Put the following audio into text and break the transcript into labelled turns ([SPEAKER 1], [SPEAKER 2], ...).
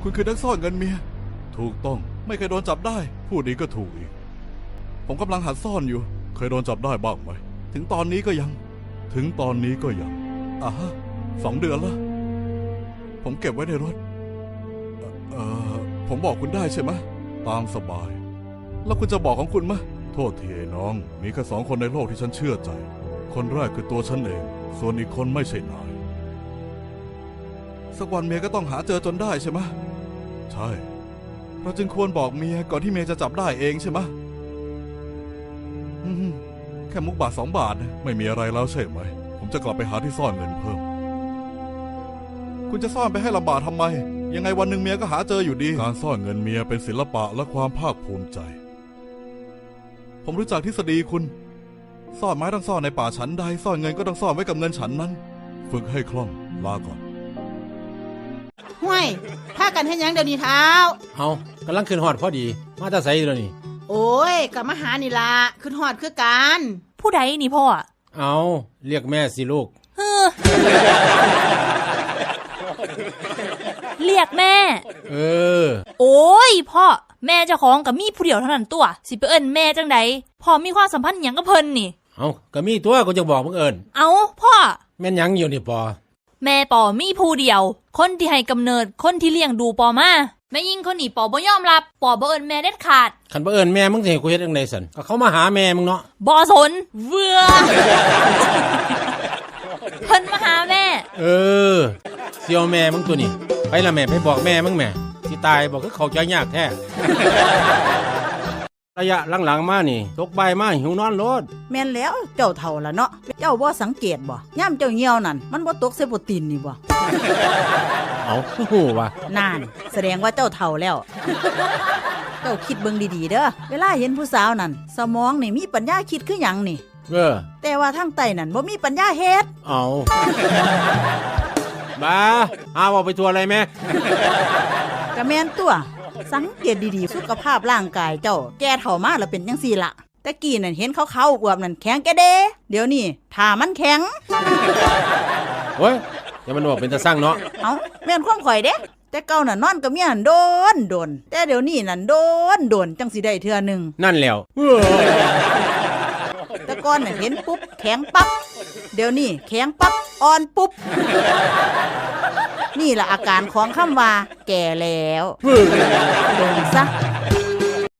[SPEAKER 1] คุณคือนักซ่อนเงินเมียถูกต้องไม่เคยโดนจับได้พูดดีก็ถูกอีกผมกำลังหัดซ่อนอยู่เคยโดนจับได้บ้างไหมถึงตอนนี้ก็ยังฮะ2 เดือนละผมเก็บไว้ในรถผมบอกคุณได้ใช่ไหมตามสบายแล้วคุณจะบอกของคุณไหมโทษทีไอ้น้องมีแค่2 คนในโลกที่ฉันเชื่อใจคนแรกคือตัวฉันเองส่วนอีกคนไม่ใช่นายสักวันเมียก็ต้องหาเจอจนได้ใช่ไหมใช่เราจึงควรบอกเมียก่อนที่เมียจะจับได้เองใช่ไหมแค่มุกบาท2 บาทนะไม่มีอะไรแล้วใช่ไหมผมจะกลับไปหาที่ซ่อนเงินเพิ่มคุณจะซ่อนไปให้ลำบากทำไมยังไงวันหนึ่งเมียก็หาเจออยู่ดีการซ่อนเงินเมียเป็นศิลปะและความภาคภูมิใจผมรู้จักทฤษฎีคุณซ่อนไม้ต้องซ่อนในป่าฉันใดซ่อนเงินก็ต้องซ่อนไว้กับเงินฉันนั้นฝึกให้คล่องลาก่อน
[SPEAKER 2] ห้วยพากันเฮ็ดหยังเดี๋ยวนี้เท้า
[SPEAKER 3] เอากำลังขึ้นฮอดพอดีมาแต่ไสอยู่แล้วนี่
[SPEAKER 2] โอ้ยกลับมาหานี่ล่ะขึ้นฮอดคือกัน
[SPEAKER 4] ผู้ใดนี่พ่อ
[SPEAKER 3] เอาเรียกแม่สิลูก
[SPEAKER 4] เรียกแม่โอ้ยพ่อแม่เจ้าของกับมีผู้เดียวเท่านั้นตัวสิไปเอิ้นแม่จังใดพ่อมีความสัมพันธ์หยังกับเพิ่นนี่
[SPEAKER 3] เอาก็มีตัวกูจะบอกมึงเอิ้น
[SPEAKER 4] เอาพ่อ
[SPEAKER 3] แม่นหยังอยู่นี่ปอ
[SPEAKER 4] แม่ปอมีผู้เดียวคนที่ให้กำเนิดคนที่เลี้ยงดูปอมาแม่ยิ่งคนนี้ปอบ่ยอมรับปอบ่เอิ้นแม่เด็ดขาด
[SPEAKER 3] คันบ่เอิ้นแม่มึงสิให้กูเฮ็ดจังได๋ซั่นก็เขามาหาแม่มึงเนาะ
[SPEAKER 4] บ่สนเบื่อเพิ่นมาหาแม่
[SPEAKER 3] เสี่ยวแม่มึงตัวนี้ไปละแม่ไปบอกแม่มึงแม่สิตายบอกคือเข้าใจยากแท้ระยะหลังๆมานี่ตกบ่ายมาหิวนอนโลด
[SPEAKER 2] แม่นแล้วเจ้าเฒ่าละเนาะเจ้าบ่สังเกตบ่ย่ำเจ้าเหี่ยวนั่นมันบ่ตกใส่โปรตีนนี่บ่
[SPEAKER 3] เอาฮู้ว่า
[SPEAKER 2] นั่นแสดงว่าเจ้าเฒ่าแล้วเจ้าคิดเบิ่งดีๆเด้อเวลาเห็นผู้สาวนั่นสมองนี่มีปัญญาคิดคือหยังนี่แต่ว่าทางใต้นั่นบ่มีปัญญาเฮ็ด
[SPEAKER 3] เอาบ้าว่าไปทัวร์อะไรแม่
[SPEAKER 2] ก็แม่นตัวสังเกตดีๆสุขภาพร่างกายเจ้าแก่เฒ่ามาแล้วเป็นจังซี่ล่ะแต่กี้นั่นเห็นขาวๆอวบนั่นแข็งแกเด้เดี๋ยวนี้ถ้ามันแข็ง
[SPEAKER 3] โอ้ยอย่ามันบอกเป็นตาสร้างเนาะ
[SPEAKER 2] เอ้าแม่นความข่อยเด้แต่เก่าน่ะนอนกับเมียโดนแต่เดี๋ยวนี้นั่นโดนจังสิได้เทื่อนึง
[SPEAKER 3] นั่นแล้ว
[SPEAKER 2] แต่ก่อนน่ะเห็นปุ๊บแข็งปั๊บเดี๋ยวนี้แข็งปั๊บอ่อนปุ๊บนี่ล่ะอาการของคำว่าแก่แล้วลงซะ